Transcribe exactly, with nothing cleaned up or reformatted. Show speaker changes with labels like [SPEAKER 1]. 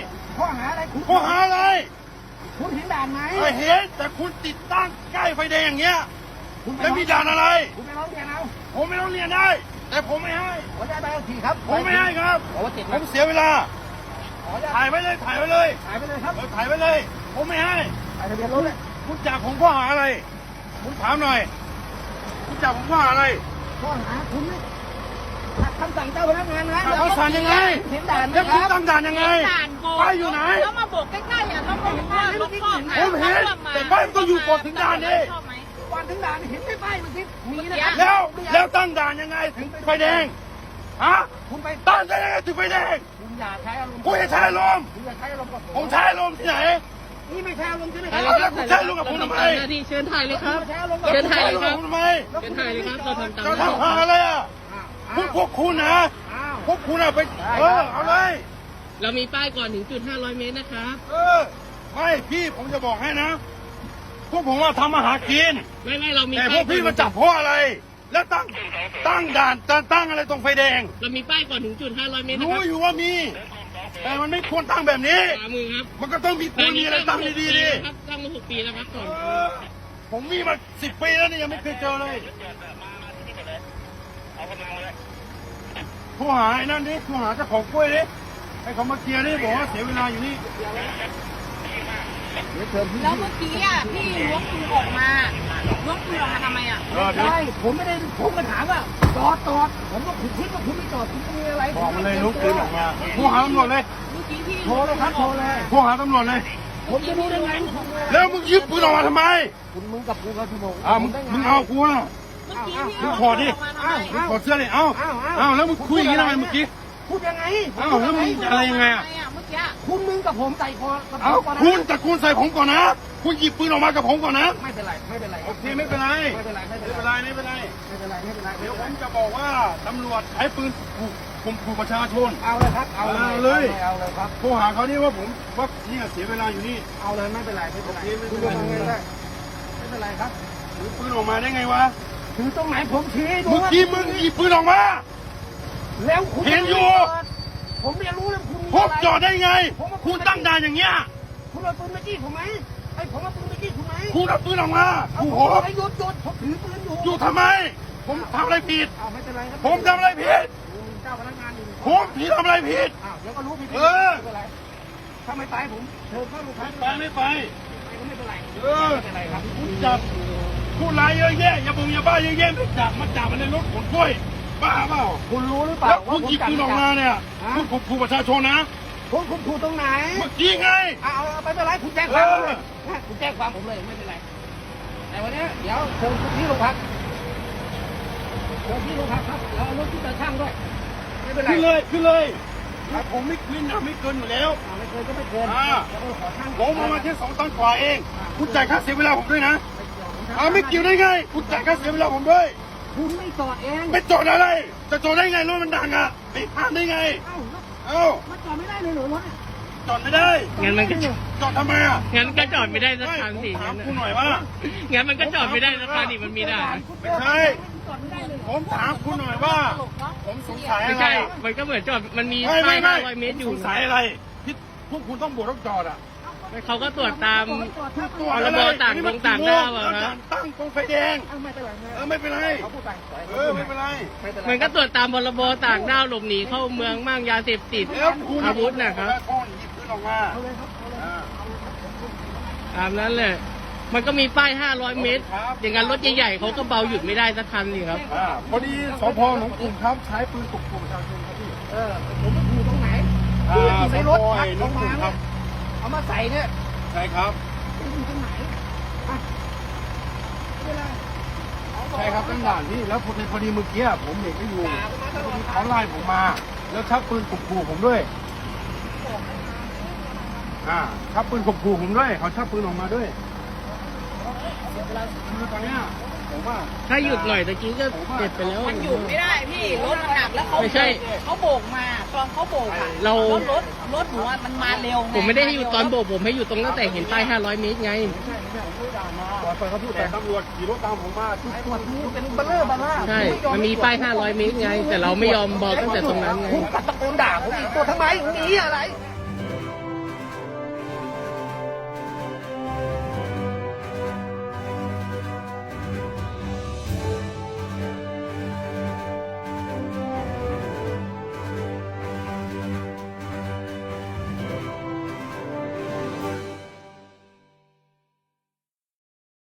[SPEAKER 1] ข้อหาอะไรคุณ
[SPEAKER 2] ข้อหาอะไร
[SPEAKER 1] คุณเห็นด่านไหม
[SPEAKER 2] ไม่เห็นแต่คุณติดตั้งใกล้ไฟแดงอย่างเงี้ย
[SPEAKER 1] คุณไป
[SPEAKER 2] แล้วมีด่านอะไร
[SPEAKER 1] คุณไปร้องเรียนเอา
[SPEAKER 2] ผมไม่ต้องเรียนได้ แต่ผมไม่ให้
[SPEAKER 1] ขออนุญาตใบขับขี่ครับ
[SPEAKER 2] ผมไม่ให้ครับ
[SPEAKER 1] ขอว่าเจ็ด
[SPEAKER 2] ผมเสียเวลา
[SPEAKER 1] ขออนุญาต
[SPEAKER 2] ถ่ายไว้เลยถ่ายไว้เลย
[SPEAKER 1] ถ่ายไปเลยครับ
[SPEAKER 2] เออถ่ายไว้เลย ผมไม่ให้
[SPEAKER 1] ถ่ายทะเบียนรถเลย
[SPEAKER 2] คุณจับผมข้อหาอะไรผมถามหน่อยคุณจับผมข้อหาอะไร
[SPEAKER 1] ข้อหาคุณไม่ขัดคำสั่งเจ้าพนักงานนะ
[SPEAKER 2] เขาสั่งยังไง
[SPEAKER 1] เห็นด่านไหม
[SPEAKER 2] แล้ว
[SPEAKER 1] ค
[SPEAKER 2] คุณ
[SPEAKER 1] รับ
[SPEAKER 2] ตั้งด่านยังไง
[SPEAKER 3] ด่านโบก
[SPEAKER 2] ป้ายอยู่ไหน
[SPEAKER 3] แล้วมาโบกใกล้ๆอ่ะต้องบอกว่ารถข้อหา
[SPEAKER 2] ผมเห็นแต่ป้ายมันต้องอยู่ก่อนถึงด่านดิ
[SPEAKER 3] ชอบไหม
[SPEAKER 1] ก่อนถึงด่านเห็นไม่ป้ายมันสิมีนะค
[SPEAKER 3] เดี๋
[SPEAKER 1] รั
[SPEAKER 3] ยว
[SPEAKER 2] แล้วแล้วตั้งด่านยังไงถึงไฟแดงฮะ
[SPEAKER 1] คุณไป
[SPEAKER 2] ตั้งได้ยังไงถึงไฟแดง
[SPEAKER 1] คุณอย่าใช้อารมณ์
[SPEAKER 2] คุณจะใช้ลมณ์
[SPEAKER 1] คุณอย่าใช้อารมณ์กับ
[SPEAKER 2] ผมใช้ลมณ์ที่ไหน
[SPEAKER 1] นี่ไม่ใช่อารมณ์ใช่ไหมค
[SPEAKER 2] เอา
[SPEAKER 1] รับ
[SPEAKER 2] แล้วคุณใช้ลมณ์กับผมทำไม
[SPEAKER 4] หน้าที่เชิญถ่ายเลยครับ
[SPEAKER 1] ไม่ใช่อารมณ์กับ
[SPEAKER 4] เชิญถ่ายเลยครับ
[SPEAKER 2] ผมทำไม
[SPEAKER 4] เชิญถ่ายเลยครับ เราทำตาม
[SPEAKER 2] จะทำหาอะไรอ่ะพวกพวกคุณนะ
[SPEAKER 1] อ้าว
[SPEAKER 2] พวกคุณอะไปเออเอาเลย
[SPEAKER 4] เรามีป้ายก่อนถึงจุดห้าร้อยเมตรนะครับ
[SPEAKER 2] เออไม่พี่ผมจะบอกให้นะ พวกผมว่าทำมาหากิน
[SPEAKER 4] ไม่ไม่เรามี
[SPEAKER 2] แต่พ
[SPEAKER 4] ป้า
[SPEAKER 2] วย กพี่มาจับเพราะอะไร แล้วตั้งตั้งด่านตั้งตั้งอะไรตรงไฟแดง
[SPEAKER 4] เรามีป้ายก่อนถึงจุดห้าร้อยเมตรนะ
[SPEAKER 2] รู้
[SPEAKER 4] ครับ
[SPEAKER 2] อยู่ว่ามี แต่มันไม่ควรตั้งแบบนี้
[SPEAKER 4] ขวามือครับ
[SPEAKER 2] มันก็ต้องมีควรมีอะไรตั้งดีๆดิ
[SPEAKER 4] ครับตั้งมาหกปีแล้วครับก่อน
[SPEAKER 2] เออผมมีมาสิบปีแล้วนี่ยังไม่เคยเจอเลยโทรหาไอ้นั่นดิโทรหาเจ้าของกล้วยดิให้เขามาเคลียร์ดิบอกว่าเสียเวลาอยู่นี่
[SPEAKER 1] เดี๋ยวเชิญพี่
[SPEAKER 3] แล้วเมื่อกี้อ่ะพี่ล้วงปืนออกมาล้วงปืนออกมาทำไมอ่ะ
[SPEAKER 2] เออเดี๋ยว
[SPEAKER 1] ใช่ผมไม่ได้ผมก็ถามว่าจอดจอดผมก็คุณคิดว่าคุณไม่จอดคุณมีอะไร
[SPEAKER 2] บอกมาเลยลุกปืนออกมาโทรหาตำรวจเลย
[SPEAKER 3] เมื่อกี้พี่
[SPEAKER 1] โทรเลยครับโทรเลย
[SPEAKER 2] โทรหาตำรวจเลย
[SPEAKER 1] ผมจะรู้ได้ไงคุณ
[SPEAKER 2] แล้วมึงยึดปืนออกมาทำไม
[SPEAKER 1] คุณมึงกับกูกับพี่โมง
[SPEAKER 2] อ่ามึงมึงเอากูอ่ะ
[SPEAKER 3] เมื่อกี้พี่
[SPEAKER 2] มึง
[SPEAKER 3] ล้วง
[SPEAKER 2] ขอดิ
[SPEAKER 3] ปืนออกมาทำไม
[SPEAKER 2] มึงขอเสื้อดิเอ้าเอ้าแล้วมึงคุยอย่างนี้ทำไมเมื่อกี้
[SPEAKER 1] พูดยังไง
[SPEAKER 2] เอ้าแล้วมึงอะไรยังไงอ่ะ
[SPEAKER 3] ทำมเมื่อกี้
[SPEAKER 1] คุณมึงกับผมใส่คอกับ
[SPEAKER 2] เอ้า
[SPEAKER 1] ก่อนนะ
[SPEAKER 2] คุณแต่คุณใส่ผมก่อนนะ คุณหยิบปืนออกมากับผมก่อนนะ
[SPEAKER 1] ไม่เป็นไรไม่เป็นไร
[SPEAKER 2] โอเคไม่เป็นไร
[SPEAKER 1] ไม่เป็นไรไม่
[SPEAKER 2] ไม่
[SPEAKER 1] เป็น
[SPEAKER 2] เป็น
[SPEAKER 1] ไร
[SPEAKER 2] ไรไม่เป็นไร
[SPEAKER 1] ไม่เป็นไรไม่เป็นไร
[SPEAKER 2] เดี๋ยวผมจะบอกว่าตำรวจใช้ปืนขู่ข่มขู่ประชาชน
[SPEAKER 1] เอาเลยครับเอาเลย
[SPEAKER 2] เอาเลย
[SPEAKER 1] เอาเลยครับ
[SPEAKER 2] โทรหาเขานี่ว่าผมว่าเนี่ยเสียเวลาอยู่นี่
[SPEAKER 1] เอาเลยไม่เป็นไรไม่เป็นไร
[SPEAKER 2] โอเคไม่เป็
[SPEAKER 1] คุณ
[SPEAKER 2] นไร
[SPEAKER 1] จะทำไงได้ไม่เป็นไรครับ
[SPEAKER 2] ถือปืนออกมาได้ไงวะ
[SPEAKER 1] ถือตรงไหนผมชี้ให้ดู
[SPEAKER 2] เมื่อกี้มึงหยิบปืนออกมา
[SPEAKER 1] แล้วคุณ
[SPEAKER 2] เห็นอยู่
[SPEAKER 1] ผมเรียนรู้แล้วคุณ
[SPEAKER 2] พบจอดได้ไง คุณตั้งด่านอย่างเงี้ย
[SPEAKER 1] คุณเอาปืนมาจี้ผมไหมไอ้ผมเอาปืนมาจี้คุณไหม
[SPEAKER 2] คุณเอาปืนออกมา
[SPEAKER 1] เอา
[SPEAKER 2] ขู่
[SPEAKER 1] ผ
[SPEAKER 2] ผม ม
[SPEAKER 1] ไอ้หยุดหยุดผมถือปืนอยู่
[SPEAKER 2] อยู่ทำไม ผมทำอะไรผิด
[SPEAKER 1] เอาไม่เป็นไรครับ
[SPEAKER 2] ผมทำอะไรผิด
[SPEAKER 1] เจ้าพนักงานอยู่
[SPEAKER 2] ผมผิดทำอะไรผิด
[SPEAKER 1] อ้าวเดี๋ยวก็รู้ผิด
[SPEAKER 2] เออ
[SPEAKER 1] ไม่เป็นไรถ้าไม่ไปผมเชิญเข้าโรงพัก
[SPEAKER 2] ไปไม่ไป
[SPEAKER 1] ไปก็ไม่เป็นไร
[SPEAKER 2] เออ
[SPEAKER 1] ไม่เป็นไรครับ
[SPEAKER 2] คุณจับผู้ร้ายเยอะแยะอย่าบงอย่าบ้าเยอะแยะไม่จับมาจับมันในรถขนกล้วยบ้าเปล่า
[SPEAKER 1] คุณรู้หรือเปล่า
[SPEAKER 2] แล้ว
[SPEAKER 1] ว่า
[SPEAKER 2] คุณ
[SPEAKER 1] ผม
[SPEAKER 2] หยิบ
[SPEAKER 1] จับ
[SPEAKER 2] ปืนออก
[SPEAKER 1] ไม่
[SPEAKER 2] มา
[SPEAKER 1] จับ
[SPEAKER 2] เนี่ยคุณข่มขู่ประชาชนนะ
[SPEAKER 1] คุณคุณถูกตรงไหน
[SPEAKER 2] เมื่อกี้ไง
[SPEAKER 1] เอาเอาไม่เป็นไรคุณแจ้งความผมเลย
[SPEAKER 2] เออ
[SPEAKER 1] นะคุณแจ้งความผมเลยไม่เป็นไรแต่วันนี้เดี๋ยวเชิญคุณที่โรงพักเชิญที่โรงพักครับแล้วเอารถที่ตาช่างด้วยไม่เป็นไร
[SPEAKER 2] ขึ้นเลยขึ้นเลยแต่ผมไม่ขึ้นนะไม่เกินอยู่แล้ว
[SPEAKER 1] อ่าไม่เกินก็ไม่เกิน
[SPEAKER 2] อ่า
[SPEAKER 1] เดี๋ยวเออขอช่าง
[SPEAKER 2] ผมเอามาแค่สองตันกว่าเอง คุณจ่ายค่าเสียเวลาผมด้วยนะอ่าไม่เกี่ยวได้ไง คุณจ่ายค่าเสียเวลาผมด้วย
[SPEAKER 1] คุณไม่จอดเอง
[SPEAKER 2] ไม่จอดอะไร จะจอดได้ไงรถมันดังอ่ะไปห้ามได้ไง
[SPEAKER 1] เอ้าแล้ว
[SPEAKER 2] เอ้า
[SPEAKER 1] มันจอดไม่ได้เลยเหรอรถเนี่ย
[SPEAKER 2] จอดไม่ได้
[SPEAKER 4] งั้นมันก็
[SPEAKER 2] จอดทำไมอ่ะ
[SPEAKER 4] งั้นก็จอดไม่ได้สัก
[SPEAKER 2] ไม่
[SPEAKER 4] คัน
[SPEAKER 2] ผม
[SPEAKER 4] สิ
[SPEAKER 2] ถาม
[SPEAKER 4] งั้น
[SPEAKER 2] คุณหน่อยว่า
[SPEAKER 4] งั้นมันก็จอดไม่ได้สักคันดิมันมีได้
[SPEAKER 2] ไม่ใช่
[SPEAKER 1] จอดไม่ได้เลย
[SPEAKER 2] ผมถามคุณหน่อยว่า ผมสงสัย
[SPEAKER 4] ไม่
[SPEAKER 2] อะไร
[SPEAKER 4] ใช่ มันก็เหมือนจอด มันมี
[SPEAKER 2] ไม่
[SPEAKER 4] ป้า
[SPEAKER 2] ไม่
[SPEAKER 4] ย
[SPEAKER 2] ไม่
[SPEAKER 4] ห้าร้อยเมตรอ
[SPEAKER 2] ผ
[SPEAKER 4] ยู่
[SPEAKER 2] สงสัยอะไรที่พวกคุณต้องบวกต้องจอดอ่ะ
[SPEAKER 4] เขาก็ตรวจตาม
[SPEAKER 2] ตรวจ
[SPEAKER 4] พ
[SPEAKER 2] อะ
[SPEAKER 4] ร
[SPEAKER 2] ไร
[SPEAKER 4] บต่างดงต่างด้าวอะ
[SPEAKER 2] แล้ว
[SPEAKER 4] ครับ
[SPEAKER 2] ตั้งตรงไฟแดง
[SPEAKER 1] เอ้าไม่เป็นไร
[SPEAKER 2] เออไม่เป็นไร
[SPEAKER 1] เขาพูดไป
[SPEAKER 2] เออไม่เป็นไร
[SPEAKER 1] ไม่เป็นไร
[SPEAKER 4] มันก็ตรวจตามพรบต่างด้าวหลบหนีเข้าเมืองมั่งยาเสพติด
[SPEAKER 2] แล้วคุณ
[SPEAKER 4] อาวุธนะครับ
[SPEAKER 2] แล้วคุณหยิบปืนออกมา
[SPEAKER 1] เอาเลยครับเอาเลย
[SPEAKER 2] อ่า
[SPEAKER 4] ตามนั้นเลย มันก็มีป้ายห้าร้อยเมตร อย่างนั้นรถใหญ่ๆเขาก็เบาหยุดไม่ได้สักคันนี่ครับ
[SPEAKER 2] อ่าพอดีสพหนองกลุ่มครับใช้ปืนข่มขู่ประชาชนครับพี่
[SPEAKER 1] เออผมไม่อยู่ตรงไหน
[SPEAKER 2] อ่า
[SPEAKER 1] อยู่ในรถ
[SPEAKER 2] สพ
[SPEAKER 1] พัก
[SPEAKER 2] หน
[SPEAKER 1] ล
[SPEAKER 2] อง
[SPEAKER 1] ง
[SPEAKER 2] กลุ่
[SPEAKER 1] มาม
[SPEAKER 2] ครับ
[SPEAKER 1] เอามาใส่เนี่ย
[SPEAKER 2] ใช่ครับ
[SPEAKER 1] อยู่ตรงไหนอ่ะไม่เป็นไร
[SPEAKER 2] ใช่ครับตั้งด่านพี่แล้วพอดีพอดีเมื่อกี้ผมเห็นไม่อยู่พอดีเขาไล่ผมมา แล้วชักปืนข่มขู่ผมด้วยอ่าชักปืนข่มขู่ผมด้วยเขาชักปืนออกมาด้วยคือตอนเนี้ยผมว่า
[SPEAKER 4] ถ้าหยุดหน่อยตะกี้ก็เจ็บไปแล้ว
[SPEAKER 3] มันหยุดไม่ได้พี่รถมันหนักแล้วเขา
[SPEAKER 4] ไม่ใช่
[SPEAKER 3] เขาโบกมาตอนเขาโบกอ่ะ
[SPEAKER 4] เรา
[SPEAKER 3] รถรถรถหนูอะมันมาเร็วง
[SPEAKER 4] ผมไม่ได้ให้หยุดตอนโบกผมให้หยุดตรงตั้งแต่เห็นป้ายห้าร้อยเมตรไง
[SPEAKER 2] ปล่อยไปเขาพูดแต่ตำรวจขี่รถตามผมมาทุก
[SPEAKER 1] ตรวจดูเป็นเบลเลอร์บัลล่า
[SPEAKER 4] ใช่ มันมีป้ายห้าร้อยเมตรไง แต่เราไม่ยอมบอกตั้งแต่ตรงนั้นไง
[SPEAKER 1] คุณกัดตะโกนด่าผมอีกตัวทำไมหนีอะไร